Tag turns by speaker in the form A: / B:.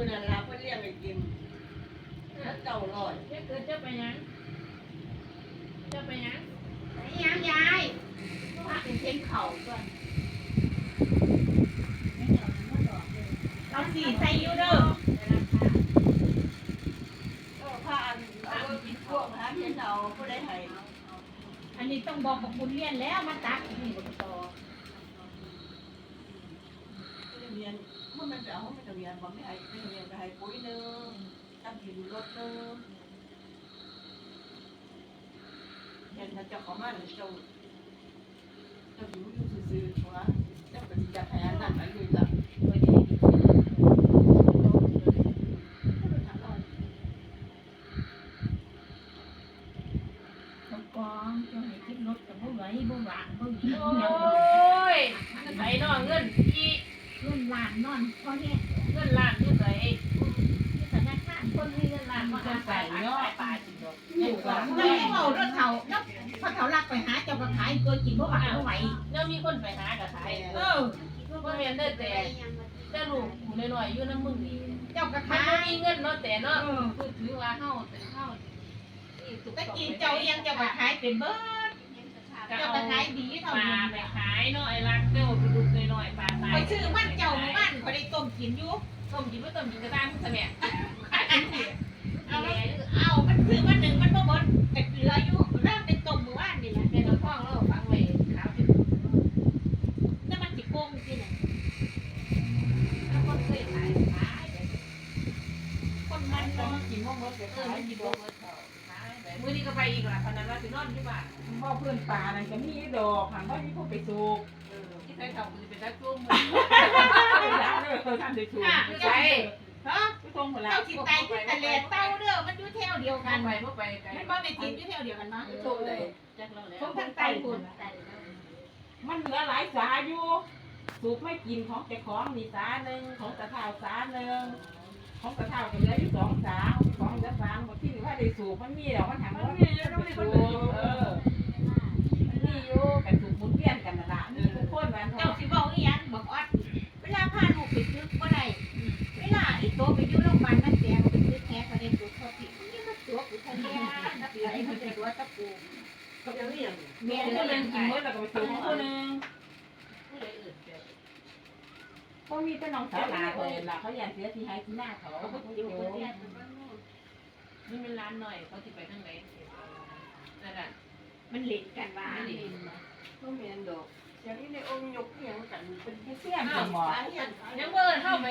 A: นั่นล่ะเพิ่นเลี้ยงให้กินแล้วเจ้าลอย
B: เกิดจะไปยังจะไปยัง
C: ยังยาย
B: พาเป็นเส้นเข่าก่อน
C: เราสีใส่ยูเด้อ
A: ผ้าอันเอากินพวกหาเห็นเอาผู้ใดให้
C: อันนี้ต้องบอกกับคุณเรียนแล้วมาตักนี่บต่อ
A: เรียนเมื่อมันไปเอาไม่ต้องเรียนบ่ไม่ให้ไม่ต้องเรียนก็ให้ปุ๋ยนึงตั้งกินรถนึงเห็นถ้าเจ้าของมันเจ้าอยู่ซื่อๆว่าเจ้าก็สิจัดให้อันนั้นอันนี้ล่ะ
C: กองจะให้คิดรถกับบ่ไหวบ่หวานบ่หนี
B: โอ้ยไปนอนเงินอี
C: เงินล้านนอนพอแห้
B: เงินล้านอยู่ไหน
C: ที่ธนาคาร
B: คนมีเงินล้านมาอาศัยเนาะป่าจริงเนาะ
A: อยู่กับ
C: แล้วเขาเอารถเขาแล้วพอเขาลักไปหาเจ้าก็ขายตัวกินบ่หวานบ่ไหว
B: แล้วมีคนไปหากับขาย
C: เออ
B: บ่แม่นได้แต่ลูกกูน้อยๆอยู่นำมึงนี่
C: เจ้าก็
B: มัน
C: ขาย
B: มีเงินเนาะแต่เนาะคือถือว่าเฮาเป็นเฮา
C: ตะกี้เจ้ายังเจ้าก็ขายเป็นเบิดเจ้าก็ขายดีเท่า
B: ปลา
C: นี้
B: ไปขายเนาะไอ้รักเจ้าไปดูน้อยๆปลาตาย
C: ไปซื้อมันเจ้ามันเขาได้ต้มกินอยู่
B: ต้มกินบ่ต้มกินก็ตามซะแม่
C: เอามันซื้อมาหนึ่งมันบ่หมดแต่เหลืออยู่เริ่มเป็นต้มมื้อวานนี่แหละ
B: แม่เราฟ้องเราฟังไว้ขาวที่
C: แล้วมันสิโกงที่ไหน
B: แล้วคนเคยขาย
C: คนมัน
A: แต่
C: เนาะ
A: มันกินพวกรถก็
B: เออ
A: ขาย
B: มัน
A: กิ
B: กิ
A: น
B: น
A: พ
B: บ่
A: วก
B: เบิดเขาขายไปมื้อนี้ก็ไปอีกล่ะพนันว่าสินอนอยู่บ้าน
A: พ่อเพื่อนป่านั่นก็มีดอกหันว่ามีพวกไปสูบ
B: ที่ใส่เขาคือเป็นนักจุ่ม
A: ร้านเด้อท่านได้สูบ
B: ใช่
C: ฮะ
A: ผู้ทรงหัวละ
C: เจ้าสิตายที่ทะเลเต้าเด้อมันอยู่แถวเดียวกั
B: กัน นไปบ่ไปไกล
C: มันบ่ได้ติดอยู่แถวเดียวกันเนาะ
B: โตเลยจักเราแล้ว
C: ผมทางใต้พุ่น
A: มันเหลือหลายสาอยู่สูบไม่กินของเจ้าของมีสาหนึ่งของตะเท่าสาหนึ่งของตะเท่าก็เหลืออยู่สองสาของเหลือสามหมดที่ว่าได้สูบมันมีดอกมันหันว่ามีต้องได้สูบมันมีอยู่กันสูบหมุนเวียนกันนั่นล่ะมีทุกคนวัน
C: เจ้าสิเว้าอีหยังบอกออดเวลาพาลูกไปซื้อบ่ได้เวลาอีโตไปอยู่โรงพยาบาลนั่นแตงไปซื้อแท้ก็ได้ตัวเขาที่นี่มันตัวกูทะเลนับถือไอ้มันเป็นตัวตะปู
A: ก็ยังนี่ยัง
C: แม่
A: เมีย
C: ก็
A: ก็
C: ยั
A: ยัง ง
C: กิ
A: กิ
C: น
A: น
C: หม
A: เมื่
C: ด
A: อแล้วก็ไปสูบของคนนึง พวกมีแต่น้องสาวหลานเลยล่ะเขาอยากเสียที่ให้ที่หน้าเขาเขาก็อยู่
B: นี่เป็นร้านหน่อยเขาสิไปทางไหนนั่นน่ะ
C: มันเล่นกันว่า
B: ไม่ดี
A: ก็เมียนดอกอย่างนี้ในองค์ยกเพียงกันเป็นเสี้ยนกันหมด
B: ยังเบิ่นเข้าไป